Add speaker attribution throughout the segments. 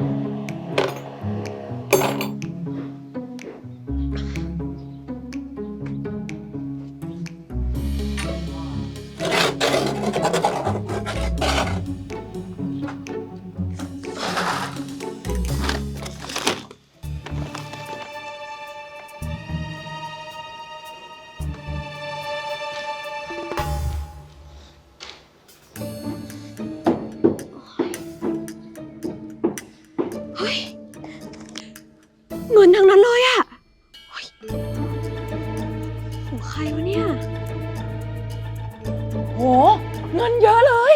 Speaker 1: เงินทั้งนั้นเลยอะของใครวะเนี่ย
Speaker 2: โหเงินเยอะเลย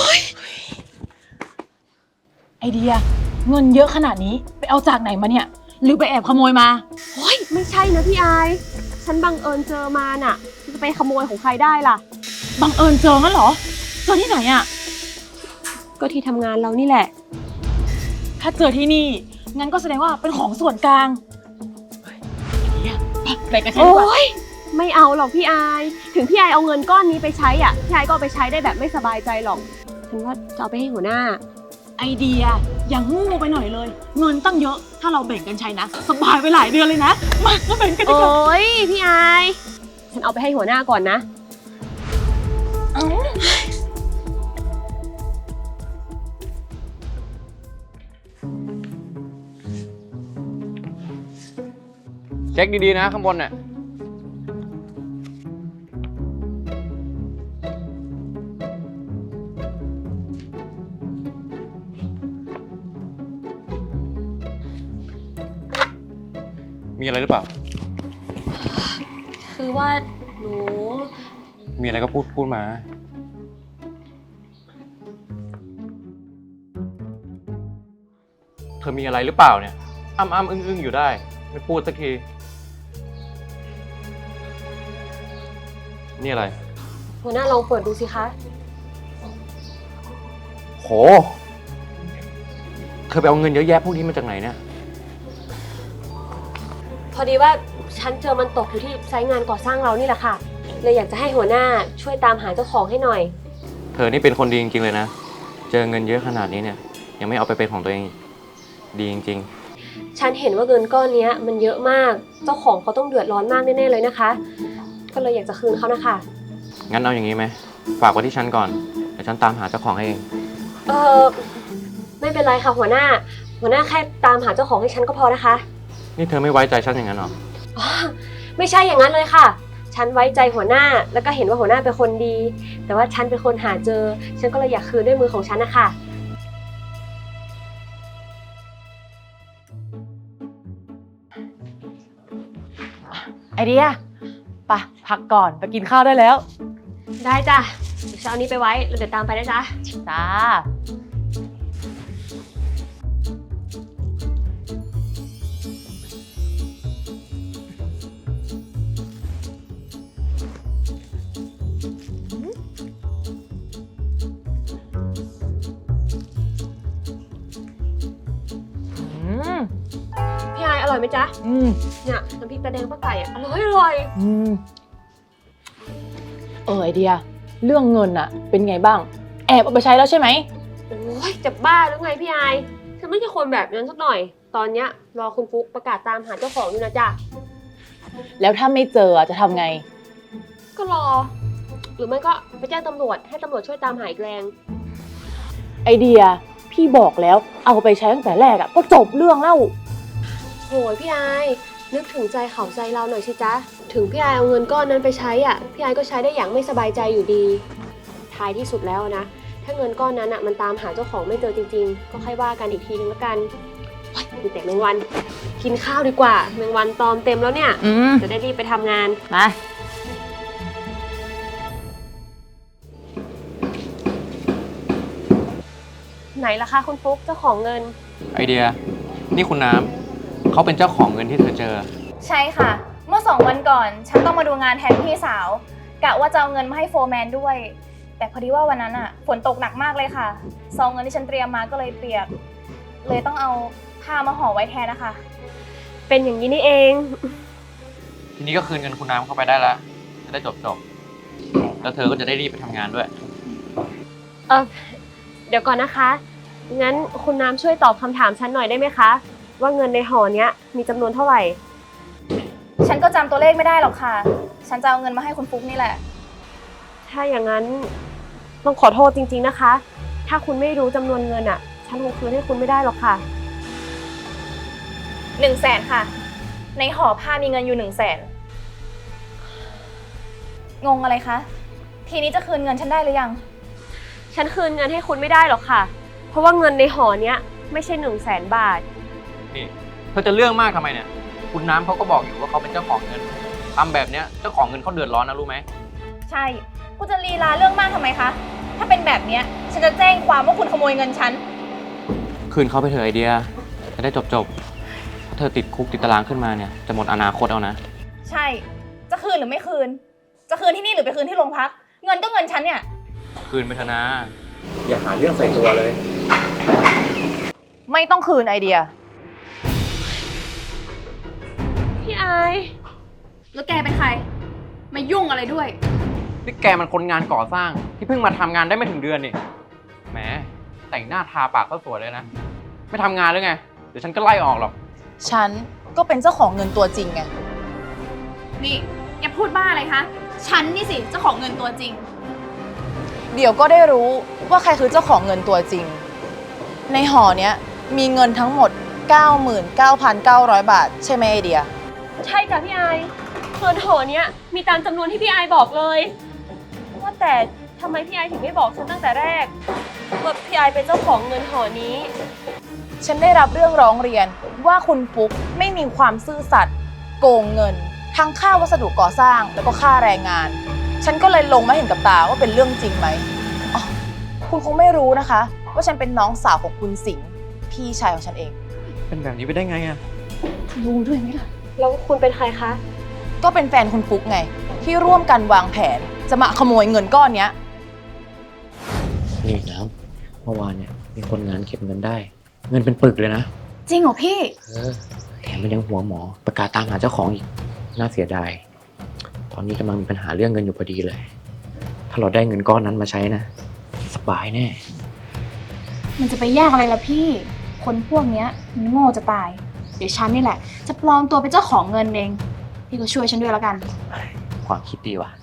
Speaker 2: ไอเดียเงินเยอะขนาดนี้ไปเอาจากไหนมาเนี่ยหรือไปแอบขโมยมา
Speaker 1: โอ้ยไม่ใช่นะพี่อายฉันบังเอิญเจอมาน่ะจะไปขโมยของใครได้ล่ะ
Speaker 2: บังเอิญเจองั้นเหรอเจอที่ไหนอะ
Speaker 1: ก็ที่ทำงานเรานี่แหละ
Speaker 2: ถ้าเจอที่นี่งั้นก็แสดงว่าเป็นของส่วนกลางไปกันใช่ไหมโอ้
Speaker 1: ยไม่เอาหรอกพี่อายถึงพี่อายเอาเงินก้อนนี้ไปใช้อ่ะพี่อายก็เอาไปใช้ได้แบบไม่สบายใจหรอกฉันว่าจะเอาไปให้หัวหน้า
Speaker 2: ไอเดียอย่างงูไปหน่อยเลยเงินตั้งเยอะถ้าเราแบ่งกันใช้นะสบายไปหลายเดือนเลยนะมาแบ่งกันดีกว่า
Speaker 1: โอ้ยพี่อายฉันเอาไปให้หัวหน้าก่อนนะ
Speaker 3: เช็คดีๆนะข้างบนเนี่ยมีอะไรหรือเปล่า
Speaker 1: คือว่าหนู
Speaker 3: มีอะไรก็พูดมาเธอมีอะไรหรือเปล่าเนี่ยอ้ำอึ้งอยู่ได้ไม่พูดสักทีนี่อะไร
Speaker 1: หัวหน้าลองเปิดดูสิคะ
Speaker 3: โหเธอไปเอาเงินเยอะแยะพวกนี้มาจากไหนเนี่ย
Speaker 1: พอดีว่าฉันเจอมันตกอยู่ที่ไซต์งานก่อสร้างเรานี่แหละค่ะเลยอยากจะให้หัวหน้าช่วยตามหาเจ้าของให้หน่อย
Speaker 3: เธอนี่เป็นคนดีจริงๆเลยนะเจอเงินเยอะขนาดนี้เนี่ยยังไม่เอาไปเป็นของตัวเองดีจริง
Speaker 1: ๆฉันเห็นว่าเงินก้อนนี้มันเยอะมากเจ้าของเขาต้องเดือดร้อนมากแน่ๆเลยนะคะก็เลยอยากจะคืนเขานะคะ
Speaker 3: งั้นเอาอย่างนี้ไหมฝากไว้ที่ฉันก่อนเดี๋ยวฉันตามหาเจ้าของให้เอง
Speaker 1: ไม่เป็นไรค่ะหัวหน้าแค่ตามหาเจ้าของให้ฉันก็พอนะคะ
Speaker 3: นี่เธอไม่ไว้ใจฉันอย่างนั้นหรอ
Speaker 1: ไม่ใช่อย่างนั้นเลยค่ะฉันไว้ใจหัวหน้าแล้วก็เห็นว่าหัวหน้าเป็นคนดีแต่ว่าฉันเป็นคนหาเจอฉันก็เลยอยากคืนด้วยมือของฉันนะคะ
Speaker 2: ไอเดียไปพักก่อนไปกินข้าวได้แล้ว
Speaker 1: ได้จ้ะเดี๋ยวเช้านี้ไปไว้แล้วเดี๋ยวตามไปนะจ๊ะ
Speaker 2: จ้า
Speaker 1: พี่ไออร่อยไหมจ๊ะเนี่ยน้ำพริกตาแดงป้าไก่อะอร่อย
Speaker 2: ไอเดียเรื่องเงินอะเป็นไงบ้างแอบเอาไปใช้แล้วใช่ไหม
Speaker 1: โอ้ยจะบ้าหรือไงพี่ไอฉันไม่ใช่คนแบบนั้นสักหน่อยตอนเนี้ยรอคุณฟุ๊กประกาศตามหาเจ้าของอยู่นะจ๊ะ
Speaker 2: แล้วถ้าไม่เจอจะทำไง
Speaker 1: ก็รอหรือไม่ก็ไปแจ้งตำรวจให้ตำรวจช่วยตามหาอีกแรง
Speaker 2: ไอเดียพี่บอกแล้วเอาไปใช้ตั้งแต่แรกอะก็จบเรื่องแล้ว
Speaker 1: โหยพี่ไอนึกถึงใจเขาใจเราหน่อยสิจ๊ะถึงพี่ไอเอาเงินก้อนนั้นไปใช้อ่ะพี่ไอก็ใช้ได้อย่างไม่สบายใจอยู่ดีท้ายที่สุดแล้วนะถ้าเงินก้อนนั้นอ่ะมันตามหาเจ้าของไม่เจอจริงๆก็ค่อยว่ากันอีกทีนึงแล้วกันมีแต่แมงวันกินข้าวดีกว่าแมงวันตอมเต็มแล้วเนี่ยจะได้รีบไปทำงาน
Speaker 2: มา
Speaker 1: ไหนล่ะคะคุณฟุ๊กเจ้าของเงิน
Speaker 3: ไอเดียนี่คุณน้ำเขาเป็นเจ้าของเงินที่เธอเจอ
Speaker 4: ใช่ค่ะเมื่อ2 วันก่อนฉันต้องมาดูงานแทนพี่สาวกะว่าจะเอาเงินมาให้โฟร์แมนด้วยแต่พอดีว่าวันนั้นอ่ะฝนตกหนักมากเลยค่ะซองเงินที่ฉันเตรียมมาก็เลยเปียกเลยต้องเอาผ้ามาห่อไว้แทนนะคะ
Speaker 1: เป็นอย่างนี้นี่เอง
Speaker 3: ทีนี้ก็คืนเงินคุณน้ำเข้าไปได้แล้วจะได้จบแล้วเธอก็จะได้รีบไปทำงานด้วย
Speaker 1: เดี๋ยวก่อนนะคะงั้นคุณน้ำช่วยตอบคำถามฉันหน่อยได้ไหมคะ ว่าเงินในห่อเนี้ยมีจำนวนเท่าไหร่
Speaker 4: ฉันก็จำตัวเลขไม่ได้หรอกค่ะ ฉันจะเอาเงินมาให้คุณฟุ๊กนี่แหละ
Speaker 1: ถ้าอย่างนั้นต้องขอโทษจริงๆนะคะ ถ้าคุณไม่รู้จำนวนเงินอ่ะ ฉันคงคืนให้คุณไม่ได้หรอกค่ะ
Speaker 4: 100,000ค่ะ ในห่อผ้ามีเงินอยู่100,000งงอะไรคะ ทีนี้จะคืนเงินฉันได้หรือยัง
Speaker 1: ฉันคืนเงินให้คุณไม่ได้หรอกค่ะ เพราะว่าเงินในห่อเนี้ยไม่ใช่100,000 บาท
Speaker 3: นี่เธอจะเรื่องมากทำไมเนี่ย คุณน้ำเขาก็บอกอยู่ว่าเขาเป็นเจ้าของเงินทำแบบเนี้ยเจ้าของเงินเขาเดือดร้อนนะรู้ไหม
Speaker 4: ใช่คุณจะลีลาเรื่องมากทำไมคะ ถ้าเป็นแบบเนี้ยฉันจะแจ้งความว่าคุณขโมยเงินฉัน
Speaker 3: คืนเขาไปเถอะไอเดียจะได้จบถ้าเธอติดคุกติดตารางขึ้นมาเนี่ยจะหมดอนาคตเอานะ
Speaker 4: ใช่ จะคืนหรือไม่คืน จะคืนที่นี่หรือไปคืนที่โรงพัก เงินก็เงินฉันเนี่ย
Speaker 3: คืนไปเถอะนะ อย่าหาเรื่องใส่ตัวเลย
Speaker 4: ไม่ต้องคืนไอเดีย
Speaker 1: พี่ไอาย
Speaker 4: แล้วแกเป็นใคร มายุ่งอะไรด้วย
Speaker 3: นี่แกมันคนงานก่อสร้างที่เพิ่งมาทำงานได้ไม่ถึงเดือนนี่แหมแต่งหน้าทาปากก็สวยเลยนะ ไม่ทำงานหรือไงเดี๋ยวฉันก็ไล่ออกหรอก
Speaker 2: ฉันก็เป็นเจ้าของเงินตัวจริงไง
Speaker 4: นี่แกพูดบ้าอะไรคะ ฉันนี่สิเจ้าของเงินตัวจริง
Speaker 2: เดี๋ยวก็ได้รู้ว่าใครคือเจ้าของเงินตัวจริง ในห่อเนี้ยมีเงินทั้งหมด 99,900 บาท ใช่ไหมไอเดีย
Speaker 1: ใช่จ้ะพี่ไอายเงินห่อเนี้ยมีตามจำนวนที่พี่ไอายบอกเลย ว่าแต่ทำไมพี่ไอายถึงไม่บอกฉันตั้งแต่แรกว่าพี่ไอายเป็นเจ้าของเงินห่อนี้
Speaker 2: ฉันได้รับเรื่องร้องเรียนว่าคุณปุ๊กไม่มีความซื่อสัตย์โกงเงิน ทั้งค่าวัสดุก่อสร้างแล้วก็ค่าแรงงาน ฉันก็เลยลงมาเห็นกับตาว่าเป็นเรื่องจริงไหมอ๋อคุณคงไม่รู้นะคะ ว่าฉันเป็นน้องสาวของคุณสิงห์พี่ชายของฉันเอง
Speaker 3: เป็นแบบนี้ไปได้ไงอะ
Speaker 2: รู้ด้วยไหมล่ะ
Speaker 1: แล้วคุณเป็นใครคะ
Speaker 2: ก็เป็นแฟนคุณปุ๊กไง ที่ร่วมกันวางแผนจะมาขโมยเงินก้อนเนี้ย
Speaker 3: นี่น้ำเมื่อวานเนี่ยมีคนงานเก็บเงินได้ เงินเป็นปึกเลยนะ
Speaker 4: จริงเหรอพี่
Speaker 3: แถมมันยังหัวหมอประกาศตามหาเจ้าของอีกน่าเสียดายตอนนี้กำลังมีปัญหาเรื่องเงินอยู่พอดีเลย ถ้าเราได้เงินก้อนนั้นมาใช้นะสบายแน่
Speaker 4: มันจะไปยากอะไรล่ะพี่ คนพวกเนี้ยมันโง่จะตาย เดี๋ยวฉันนี่แหละ จะปลอมตัวเป็นเจ้าของเงินเอง พี่ก็ช่วยฉันด้วยแล้วกัน
Speaker 3: ความคิดดีว่ะ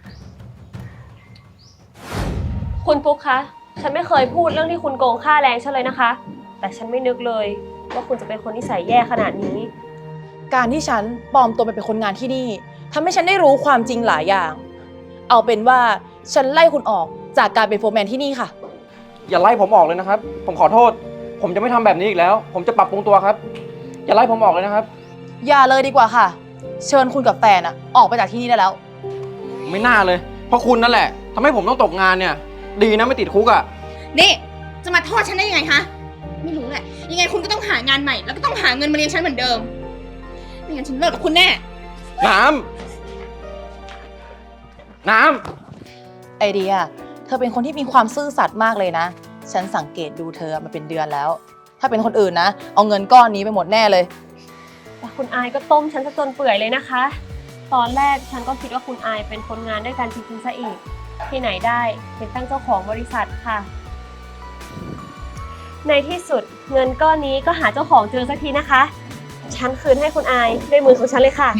Speaker 1: คุณปุ๊กคะ ฉันไม่เคยพูดเรื่องที่คุณโกงค่าแรงฉันเลยนะคะ แต่ฉันไม่นึกเลยว่าคุณจะเป็นคนนิสัยแย่ขนาดนี้
Speaker 2: การที่ฉันปลอมตัวไปเป็นคนงานที่นี่ทำให้ฉันได้รู้ความจริงหลายอย่าง เอาเป็นว่าฉันไล่คุณออกจากการเป็นโฟร์แมนที่นี่ค่ะ
Speaker 3: อย่าไล่ผมออกเลยนะครับ ผมขอโทษ ผมจะไม่ทำแบบนี้อีกแล้ว ผมจะปรับปรุงตัวครับ อย่าไล่ผมออกเลยนะครับ
Speaker 2: อย่าเลยดีกว่าค่ะ เชิญคุณกับแฟนอะออกไปจากที่นี่ได้แล้ว
Speaker 3: ไม่น่าเลย เพราะคุณนั่นแหละทำให้ผมต้องตกงานเนี่ย ดีนะไม่ติดคุกอ่ะ
Speaker 5: นี่จะมาโทษฉันได้ยังไงคะไม่รู้แหละยังไงคุณก็ต้องหางานใหม่แล้วก็ต้องหาเงินมาเลี้ยงฉันเหมือนเดิมไม่งั้นฉันเลิกกับคุณแน่
Speaker 3: น้ำ
Speaker 2: ไอเดีย เธอเป็นคนที่มีความซื่อสัตย์มากเลยนะ ฉันสังเกตดูเธอมาเป็นเดือนแล้ว ถ้าเป็นคนอื่นนะ เอาเงินก้อนนี้ไปหมดแน่เลย
Speaker 1: แต่คุณอายก็ต้มฉันซะจนเปื่อยเลยนะคะ ตอนแรกฉันก็คิดว่าคุณอายเป็นคนงานด้วยกันจริงๆซะอีก ที่ไหนได้เป็นตั้งเจ้าของบริษัทค่ะ ในที่สุดเงินก้อนนี้ก็หาเจ้าของเจอสักทีนะคะ ฉันคืนให้คุณอายด้วยมือของฉันเลยค่ะ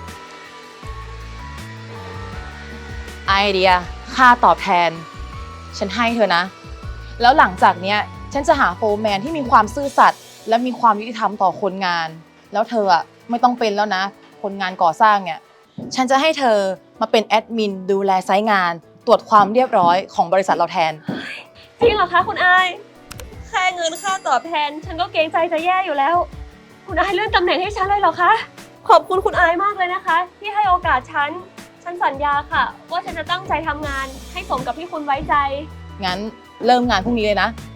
Speaker 2: ไอเดีย ค่าตอบแทน ฉันให้เธอนะ แล้วหลังจากเนี้ย ฉันจะหาโฟร์แมนที่มีความซื่อสัตย์และมีความยุติธรรมต่อคนงาน แล้วเธออะไม่ต้องเป็นแล้วนะ คนงานก่อสร้างเนี่ย ฉันจะให้เธอมาเป็นแอดมินดูแลไซต์งาน ตรวจความเรียบร้อยของบริษัทเราแทน
Speaker 1: จริงเหรอคะคุณอาย แค่เงินค่าตอบแทน ฉันก็เกรงใจจะแย่อยู่แล้ว คุณอายเลื่อนตำแหน่งให้ฉันเลยเหรอคะ ขอบคุณคุณอายมากเลยนะคะ ที่ให้โอกาสฉัน ฉันสัญญาค่ะ ว่าฉันจะตั้งใจทำงานให้สมกับที่คุณไว้ใจ
Speaker 2: งั้นเริ่มงานพรุ่งนี้เลยนะ